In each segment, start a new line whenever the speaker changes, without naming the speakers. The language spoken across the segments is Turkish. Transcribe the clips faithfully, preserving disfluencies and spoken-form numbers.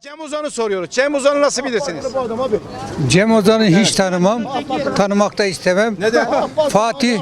Cem Uzan'ı soruyoruz. Cem Uzan'ı nasıl bilirsiniz?
Cem Ozan'ı hiç tanımam. Tanımak da istemem.
Neden?
Fatih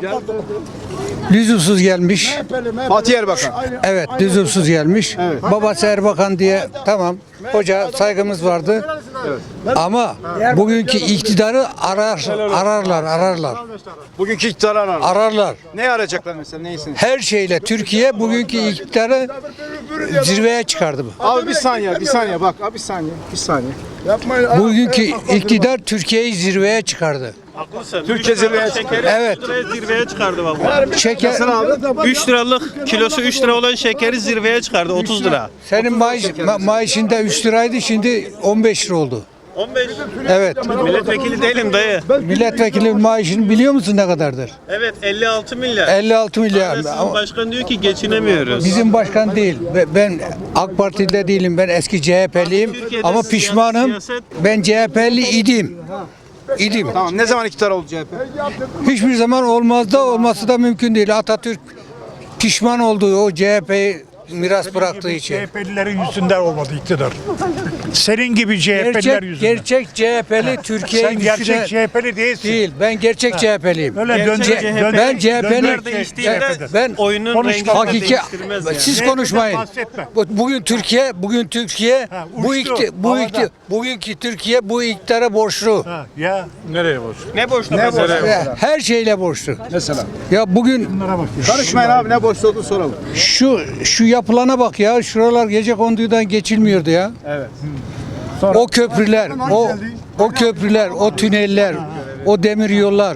lüzumsuz gelmiş.
Fatih Erbakan.
Evet, lüzumsuz gelmiş. Babası Erbakan diye tamam. Hoca saygımız vardı. Ama bugünkü iktidarı arar, ararlar, ararlar.
Bugünkü iktidarı arar.
Ararlar.
Ne arayacaklar mesela? Neyisiniz?
Her şeyle Türkiye bugünkü iktidarı zirveye çıkardı bu.
Abi bir saniye, bir saniye bak. Abi bir saniye, bir saniye.
Bugünkü iktidar Türkiye'yi zirveye çıkardı.
Haklısın.
Türkiye zirveye çıkardı.
Evet.
Zirveye çıkardı bak.
Şeker,
üç liralık kilosu üç lira olan şekeri zirveye çıkardı otuz lira.
senin maaş, ma- maaşında üç liraydı, şimdi on beş lira oldu.
on beş.
Evet.
Milletvekili değilim dayı.
Milletvekili maaşını biliyor musun ne kadardır?
Evet elli altı milyar.
elli altı milyar.
Sizin
Ama
başkan diyor ki geçinemiyoruz.
bizim başkan değil. Ve Ben AK Parti'de değilim. Ben eski C H P'liyim.
Türkiye'de
Ama
siya-
pişmanım.
siyaset-
Ben C H P'li idim. İdim.
Tamam, ne zaman iktidar oldu C H P?
Hiçbir zaman olmaz da olması da mümkün değil. Atatürk pişman olduğu o C H P'yi miras bıraktığı için.
C H P'lilerin yüzünden olmadı iktidar. Senin gibi C H P'liler
Gerçek,
yüzünden.
gerçek C H P'li Türkiye'yi
Sen gerçek
güçlüne-
C H P'li değilsin.
değil. Ben gerçek C H P'liyim.
Öyle
Gerçek
döndür,
C H P',
döndür,
ben C H P'li
döndür
değiştiğinde
ben
oyunun
Konuşma.
rengi
hakiki
değiştirmez yani.
siz
C H P'den
konuşmayın.
bahsetme.
Bu- Bugün Türkiye, bugün Türkiye
Ha,
bu
uçtu,
ikti, bu
havada.
ikti, bugünkü Türkiye bu iktidara borçlu.
Ha, ya
Ne boşta
Ne
mesela?
boş?
Ve her şeyle borçlu.
Mesela.
Ya bugün
bunlara bak ya.
Karışmayın abi, ne boş olduğunu soralım.
şu şu yapılana bak ya. Şuralar gecekondudan geçilmiyordu ya.
Evet.
O köprüler, o o köprüler, o tüneller, o demir yollar.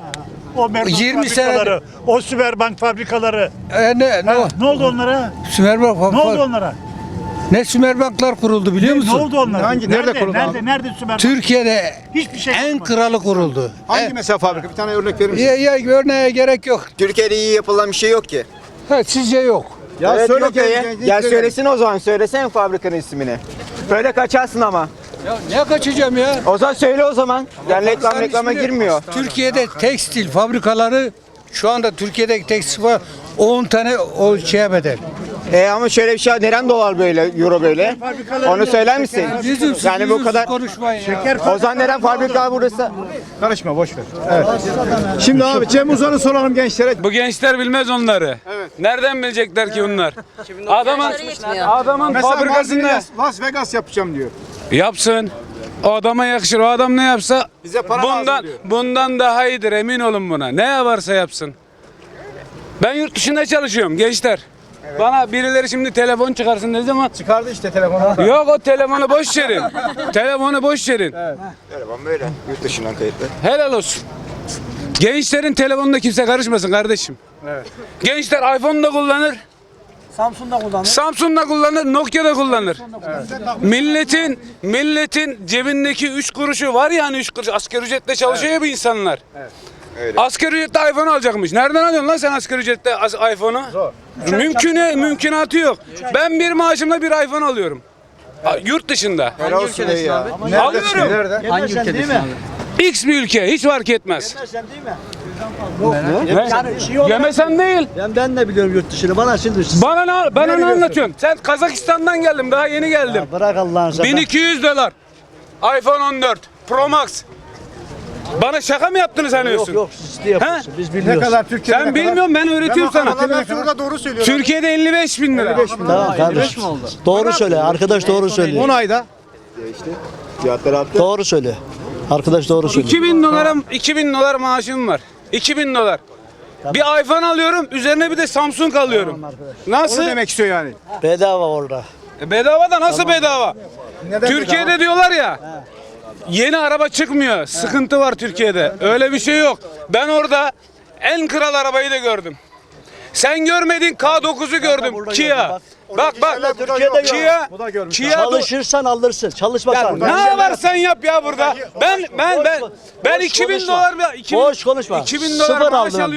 O Merbank
yirmi
fabrikaları, o Sümerbank fabrikaları.
E ne ne,
Ha,
o?
ne oldu onlara?
Sümerbank
Ne oldu onlara?
Ne Sümerbanklar kuruldu biliyor
Ne
musun?
oldu onlara?
Hangi- nerede kuruldu
Nerede,
abi?
nerede Sümerbank?
Türkiye'de
Hiçbir şey
en
yapmadı.
kralı kuruldu.
Hangi
E,
mesela fabrika? Bir tane örnek verir misin?
ya, ya örneğe gerek yok.
Türkiye'de iyi yapılan bir şey yok ki.
Ha, sizce yok.
Ya
evet,
söyle
yok
gel-
ya.
gel-
Ya
gel-
söylesene o zaman. Söylesene fabrikanın ismini. Böyle kaçarsın ama.
Ya ne kaçacağım ya?
O zaman söyle o zaman. Yani reklam
Sen
reklama
ismini-
girmiyor.
Türkiye'de tekstil fabrikaları şu anda Türkiye'deki tekstil var on tane o şeye bedel.
E ama şöyle bir şey var. Neren dolar böyle, euro böyle? Onu söyler misin?
Lüzumsuz,
Yani bu
lüzumsuz
kadar.
konuşmayın ya.
O zaman neren fabrika burası?
Karışma, boş ver. Evet. Şimdi abi Cem Uzan'ı soralım gençlere.
Bu gençler bilmez onları.
Evet.
Nereden bilecekler ki bunlar? Adamın adamın
Mesela
fabrikasında
Las Vegas, Las Vegas yapacağım diyor.
yapsın. O adama yakışır. O adam ne yapsa
Bize para lazım
bundan
diyor.
bundan daha iyidir, emin olun buna. Ne yaparsa yapsın. Ben yurt dışında çalışıyorum gençler. Bana birileri şimdi telefon çıkarsın ne zaman?
Çıkardı işte telefonu.
Yok, o telefonu boş verin. Telefonu boş verin.
Telefon böyle. Yurt dışından kayıtlı.
Helal olsun. Gençlerin telefonunda kimse karışmasın kardeşim.
Evet.
Gençler iPhone da kullanır. Samsung'da kullanır. Samsung'da kullanır, Nokia'da kullanır. Milletin milletin cebindeki üç kuruşu var ya, hani üç kuruş asgari ücretle çalışıyor ya bu insanlar.
Öyle.
Asgari ücretle iPhone alacakmış. Nereden alıyorsun lan sen asgari ücretle as- iPhone'u? Zor. Mümküne, mümkünatı yok. Ben bir maaşımla bir iPhone alıyorum. A- Yurt dışında.
Helal olsun ya.
Alıyorum.
Nerede?
Hangi ülkedesin abi?
X bir ülke, hiç fark etmez.
Yani şey olarak,
Yemesen değil.
ben, ben de biliyorum yurt dışını. Bana şimdi
Bana ne, bana ne anlatıyorsun? Sen Kazakistan'dan geldim, daha yeni geldim.
bırak Allah'ın sana.
bin iki yüz dolar. iPhone on dört Pro Max. Bana şaka mı yaptığını sanıyorsun?
Yok yok siz de yapıyorsunuz. Biz
Ne
biliyoruz.
kadar Türkiye'de?
Sen bilmiyorum, ben öğretiyorum sana.
Şurada doğru söylüyor.
Türkiye'de elli beş bin lira.
Tamam kardeşim. Doğru söyle. Arkadaş doğru
on
söylüyor.
ayda.
Fiyatlar arttı.
Doğru söyle. Arkadaş doğru söylüyor.
iki bin dolara iki bin dolar maaşım var. iki bin dolar. Bir iPhone alıyorum, üzerine bir de Samsung alıyorum. Nasıl?
Onu demek istiyor yani.
Bedava orada.
E bedava da nasıl bedava?
Neden
Türkiye'de
bedava?
diyorlar ya. Yeni araba çıkmıyor. Sıkıntı var Türkiye'de. Öyle bir şey yok. Ben orada en kral arabayı da gördüm. Sen görmedin, K dokuzu gördüm.
burada
Kia.
gördüm,
Bak bak.
Türkiye'de
Kia.
Bu da görmüş.
Kia.
Çalışırsan alırsın. Çalışmasan.
Ne yaparsan yap ya burada. Ben ben ben ben iki bin dolar iki bin
Boş konuşma.
iki bin dolar
Sıfır
maaş
aldın
alıyorum.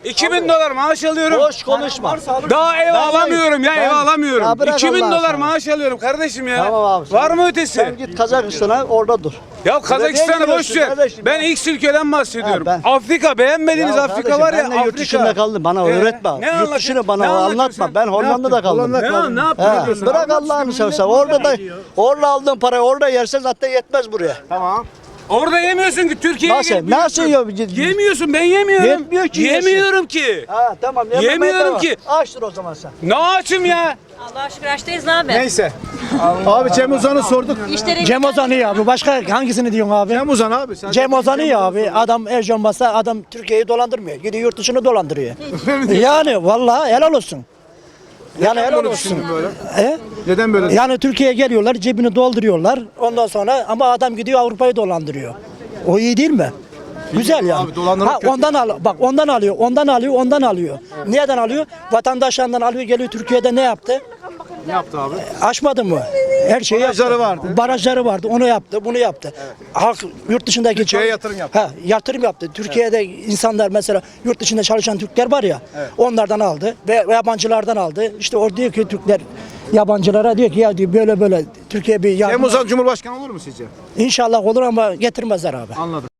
iki bin dolar maaş alıyorum.
Boş konuşma.
Daha ev alamıyorum ya, ev alamıyorum.
Ya bırak
iki bin
Allah
dolar
aşkına.
maaş alıyorum kardeşim ya.
Tamam abi, sen-
Var mı ötesi?
Sen git Kazakistan'a orada dur.
Ya Kazakistan'ı
Nereye
boş
gidiyorsun
ver.
kardeşim
Ben
ya?
X ülkeden bahsediyorum.
Ha, ben-
Afrika, beğenmediğiniz
Ya
Afrika
kardeşim,
var ya,
ben de yurt
Afrika.
dışında kaldım. Bana
Ee,
öğretme.
ne
Yurt
anlatıyorsun?
dışını bana
Ne anlatıyorsun
anlatma.
sen?
Ben
Ne
Hollanda'da
yaptın?
kaldım.
Ne, ne yaptın?
He,
Ne diyorsun?
bırak
Anlat
Allah'ını
şimdi,
seversen.
millet
Orada da
merak ediyor.
orada aldığın parayı orada yersen zaten yetmez buraya.
Tamam.
Orada yemiyorsun ki, Türkiye'ye
Nasıl?
gelip
Nasıl
yiyorsun.
yiyor?
Yemiyorsun, ben yemiyorum.
Yetmiyor ki yiyorsun.
Yemiyorum ki.
Ha tamam. yememeye
Yemiyorum
devam.
ki.
Açtır o zaman sen.
Ne açım ya?
Allah'a şükür açtayız abi.
Neyse. Abi Cem Uzan'ı sorduk.
İşleri
Cem Ozan iyi abi. Başka hangisini diyorsun abi?
Cem Uzan abi. Sen
Cem Ozan iyi abi. Adam Ercan Basa adam Türkiye'yi dolandırmıyor. Gidiyor yurt dışını dolandırıyor. yani vallahi helal olsun. Yani helal
böyle
olsun.
düşündün böyle?
He?
Neden böyle?
Yani Türkiye'ye geliyorlar, cebini dolduruyorlar. Ondan sonra ama adam gidiyor Avrupa'yı dolandırıyor. O iyi değil mi? Güzel yani.
Abi, dolandırmak
ha,
kötü.
ondan al, bak ondan alıyor, ondan alıyor, ondan alıyor. Neden alıyor? Vatandaşlarından alıyor, geliyor Türkiye'de ne yaptı?
Ne yaptı abi?
Aşmadı mı? Her şeyi
Barajları
yaptı.
vardı.
Barajları vardı. Onu yaptı, bunu yaptı. Halk yurt dışındaki
Türkiye'ye
çalış-
yatırım yaptı.
Ha, yatırım yaptı. Türkiye'de insanlar mesela yurt dışında çalışan Türkler var ya. Onlardan aldı ve yabancılardan aldı. İşte o diyor ki Türkler yabancılara diyor ki ya diyor böyle böyle Türkiye bir
Cem
yardım.
Uzan Cumhurbaşkanı olur mu sizce?
İnşallah olur ama getirmezler abi.
Anladım.